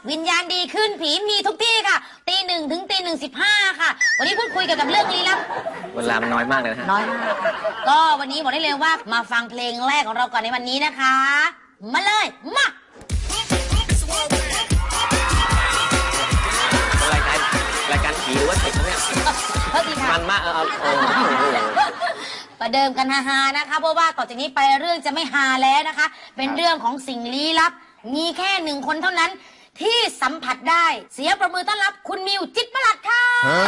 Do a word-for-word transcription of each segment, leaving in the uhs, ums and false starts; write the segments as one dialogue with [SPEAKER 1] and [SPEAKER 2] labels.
[SPEAKER 1] วิญญาณดีขึ้นผีมีทุกที่ค่ะตีหนึ่งถึงตีหนึ่งสิบห้าค่ะวันนี้พูดคุยเกี่ยวกับเรื่องลี้ลับ
[SPEAKER 2] เวลามันน้อยมากเลยนะฮะ
[SPEAKER 1] น้อยมากค่ะก็วันนี้บอกได้เลยว่ามาฟังเพลงแรกของเราก่อนในวันนี้นะคะมาเลยมาร
[SPEAKER 2] ายการรายการผีหรือว่าเทคเนี่ยมันมากเออเออ
[SPEAKER 1] ประเดิมกันฮาๆนะคะเพราะว่าต่อจากนี้ไปเรื่องจะไม่ฮาแล้วนะคะเป็นเรื่องของสิ่งลี้ลับมีแค่หนึ่งคนเท่านั้นที่สัมผัสได้เสียงประมือต้อนรับคุณมิวจิตรประหลัดค่ะ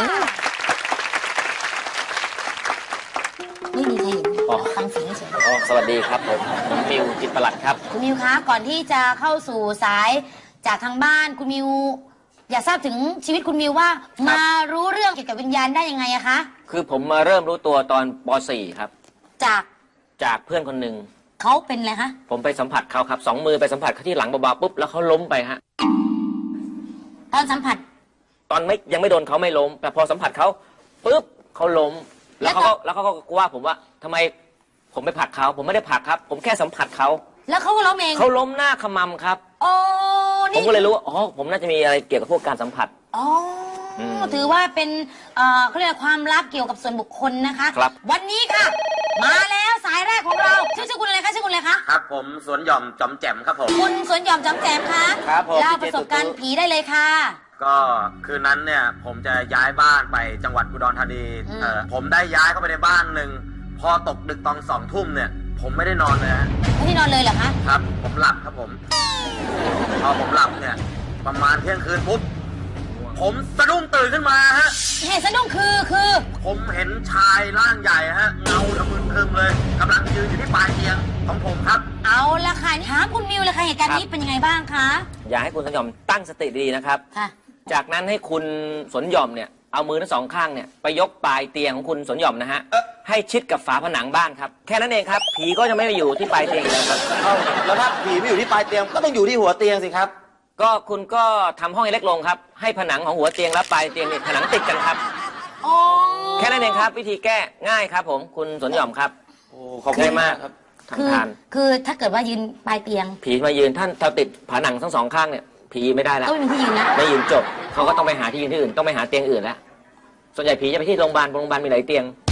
[SPEAKER 1] ไม่มีใครเห็นฟังเสียงเฉย
[SPEAKER 2] อ๋อสวัสดีครับผมผมมิวจิตรประหลัดครับ
[SPEAKER 1] คุณมิวคะก่อนที่จะเข้าสู่สายจากทางบ้านคุณมิวอยากทราบถึงชีวิตคุณมิวว่ามารู้เรื่องเกี่ยวกับวิญญาณได้ยังไงอะคะ
[SPEAKER 2] คือผมมาเริ่มรู้ตัวตอนป .สี่ ครับ
[SPEAKER 1] จาก
[SPEAKER 2] จากเพื่อนคนหนึ่ง
[SPEAKER 1] เขาเป็นอะไรคะ
[SPEAKER 2] ผมไปสัมผัสเขาครับสองมือไปสัมผัสเขาที่หลังเบาๆปุ๊บแล้วเขาล้มไปฮะ
[SPEAKER 1] ตอนสัมผัส
[SPEAKER 2] ตอนไม่ยังไม่โดนเขาไม่ล้มแต่พอสัมผัสเขาปุ๊บเขาล้มแล้วเขาก็แล้วเขาก็ว่าผมว่าทำไมผมไปผลักเขาผมไม่ได้ผลักครับผมแค่สัมผัสเขา
[SPEAKER 1] แล้วเขาก็ล้มเอง
[SPEAKER 2] เขาล้มหน้าขมำครับ
[SPEAKER 1] โอ้
[SPEAKER 2] ผมก็เลยรู้ว่าอ๋อผมน่าจะมีอะไรเกี่ยวกับพวกการสัมผัส
[SPEAKER 1] อ๋อถือว่าเป็นเขาเรียกความลับเกี่ยวกับส่วนบุคคลนะคะ
[SPEAKER 2] ครับ
[SPEAKER 1] วันนี้ค่ะมาแล้วสายแรกของเราชื่อชื่อคุณอะไรคะชื่อคุณอะไรคะ
[SPEAKER 3] ครับผมสวนหย่อมจอมแจ่มครับผม
[SPEAKER 1] คุณสวนหย่อมจอมแจ่มคะ
[SPEAKER 2] ครับผม
[SPEAKER 1] เล่าประสบการณ์ผีได้เลยค่ะ
[SPEAKER 3] ก็คืนนั้นเนี่ยผมจะย้ายบ้านไปจังหวัดอุดรธานีเอ่อผมได้ย้ายเข้าไปในบ้านหนึ่งพอตกดึกตอนสองทุ่มเนี่ยผมไม่ได้นอนเลยฮะ
[SPEAKER 1] ไม่ได้นอนเลยเหรอคะ
[SPEAKER 3] ครับผมหลับครับผมพอผมหลับเนี่ยประมาณเที่ยงคืนปุ๊บผมสะดุ้งตื่นขึ้นมาฮะ
[SPEAKER 1] เหตุสะดุ้งคือคือ
[SPEAKER 3] ผมเห็นชายร่างใหญ่ฮะเงาทะมึนทึมเลยกำลังยืนอยู่ที่ปลายเตียงของผมครับ
[SPEAKER 1] เอาละค่ะถามคุณมิวเลยค่ะเหตุการณ์นี้เป็นยังไงบ้างคะ
[SPEAKER 2] อยากให้คุณสนหย่อมตั้งสติดีนะครับ
[SPEAKER 1] ค่ะ
[SPEAKER 2] จากนั้นให้คุณสนหย่อมเนี่ยเอามือทั้งสองข้างเนี่ยไปยกปลายเตียงของคุณสนหย่อมนะฮะให้ชิดกับฝาผนังบ้านครับแค่นั้นเองครับผีก็จะไม่ไปอยู่ที่ปลายเตียงแล้วครับ
[SPEAKER 3] แล้วถ้าผีไม่อยู่ที่ปลายเตียงก็ต้องอยู่ที่หัวเตียงสิครับ
[SPEAKER 2] ก็คุณก็ทำห้องให้เล็กลงครับให้ผนังของหัวเตียงและปลายเตียงเนี่ยผนังติดกันครับแค่นั้นเองครับวิธีแก้ง่ายครับผมคุณสนหย่อมครับ
[SPEAKER 3] โอ้ขอบคุณมากครับ
[SPEAKER 2] ทำทาน
[SPEAKER 1] คือถ้าเกิดว่ายืนปลายเตียง
[SPEAKER 2] ผีมายืนท่านถ้าติดผนังทั้งสองข้างเนี่ยผีไม่ได้แล้ว
[SPEAKER 1] ก็ไม่มีที่ยืนนะ
[SPEAKER 2] ไม่ยืนจบเขาก็ต้องไปหาที่ยืนที่อื่นต้องไปหาเตียงอื่นแล้วส่วนใหญ่ผีจะไปที่โรงพยาบาลโรงพยาบาลมีหลายเตียง